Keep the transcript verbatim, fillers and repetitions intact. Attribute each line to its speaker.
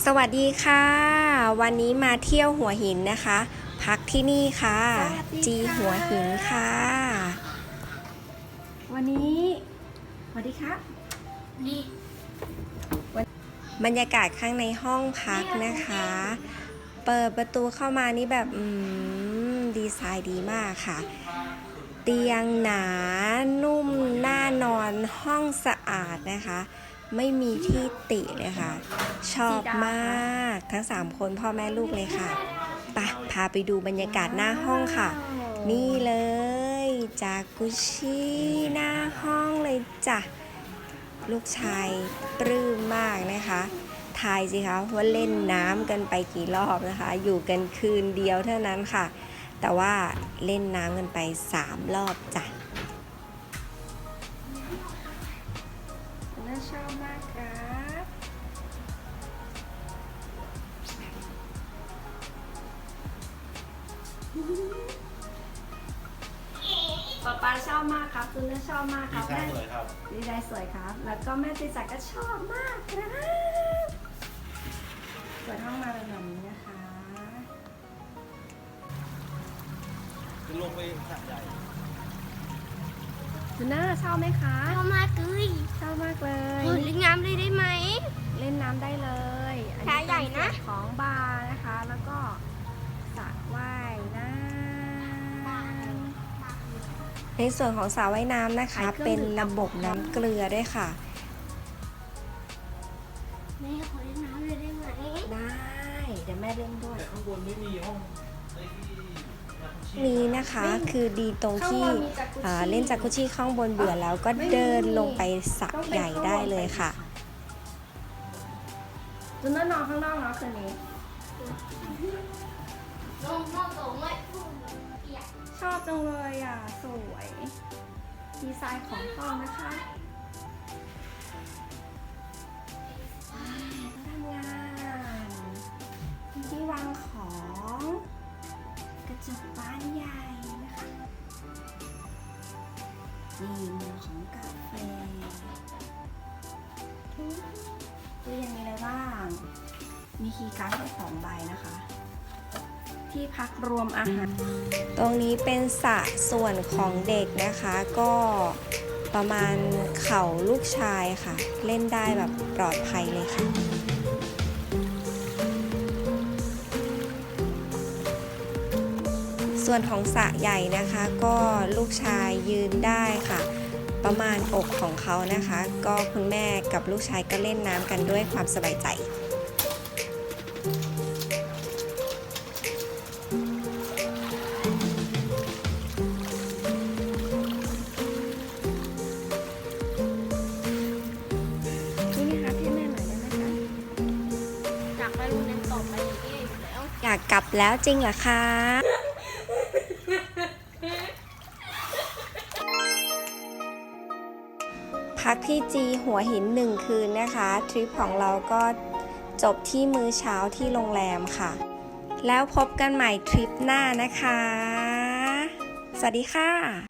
Speaker 1: สวัสดีค่ะ วันนี้มาเที่ยวหัวหินนะคะ พักที่นี่ค่ะจีหัวหินค่ะวันนี้สวัสดีครับนี่บรรยากาศข้างในห้องพักนะคะ เปิดประตูเข้ามานี่แบบอืมดีไซน์ดีมากค่ะ เตียงหนานุ่มน่านอนห้องสะอาดนะคะไม่มีที่ติเลยค่ะชอบมากทั้งสามคนพ่อแม่ลูกเลยค่ะไปพาไปดูบรรยากาศหน้าห้องค่ะนี่เลยจากุชิหน้าห้องเลยจ้ะลูกชายปลื้มมากนะคะทายสิคะว่าเล่นน้ำกันไปกี่รอบนะคะอยู่กันคืนเดียวเท่านั้นค่ะแต่ว่าเล่นน้ำกันไปสามรอบจ้ะน่าชอบมากครับป๊าป๊าชอบมากครับคุณน่าชอบมากครับดีไซน์สวยครับดีไซน์สวยครับแล้วก็แม่ติจักก็ชอบมากครับเปิดห้องมาเป็นแบบนี้นะคะ
Speaker 2: จะลงไปสระใหญ่
Speaker 1: คุณน่าชอบไหมคะ
Speaker 3: ชอบมากเลย
Speaker 1: ชอบมากเลย
Speaker 3: เล่นน้ำเลยได้ไหม
Speaker 1: เล่นน้ำได้เลยอัน
Speaker 3: นี้ใหญ่นะ
Speaker 1: ของบาร์นะคะแล้วก็สระว่ายน้ำในส่วนของสระว่ายน้ำนะคะเป็นระบบน้ำเกลือด้วยค่ะ
Speaker 3: แม่ขอเล่นน้ำเลยได้ไหม
Speaker 1: ได้เดี๋ยวแม่เล่นด้วย
Speaker 2: แต่ข้างบนไม่มีห้อง
Speaker 1: นี้นะคะคือดีตรงที่เล่นจากุชิข้างบนเบื่อแล้วก็เดินลงไปสระใหญ่ได้เลยค่ะจุนนอนข้างนอกเนาะคืนนี้ชอบจังเลยอ่ะสวยดีไซน์ของห้องนะคะทำงานที่วางของกระจกบานใหญ่นะคะนี่มุมของกาแฟตู้เย็นมีอะไรบ้างมีคีย์การ์ดให้สองใบนะคะที่พักรวมอาหารตรงนี้เป็นสระส่วนของเด็กนะคะก็ประมาณเข่าลูกชายค่ะเล่นได้แบบปลอดภัยเลยค่ะส่วนของสระใหญ่นะคะก็ลูกชายยืนได้ค่ะประมาณอกของเขานะคะก็คุณแม่กับลูกชายก็เล่นน้ำกันด้วยความสบายใจนี่นะคะพี่แม่หน่อยได้ไหมคะ
Speaker 3: อยากไปโรงเรียนต่อไปอีกแล้ว
Speaker 1: อยากกลับแล้วจริงเหรอคะพักที่จีหัวหินหนึ่งคืนนะคะทริปของเราก็จบที่มื้อเช้าที่โรงแรมค่ะแล้วพบกันใหม่ทริปหน้านะคะสวัสดีค่ะ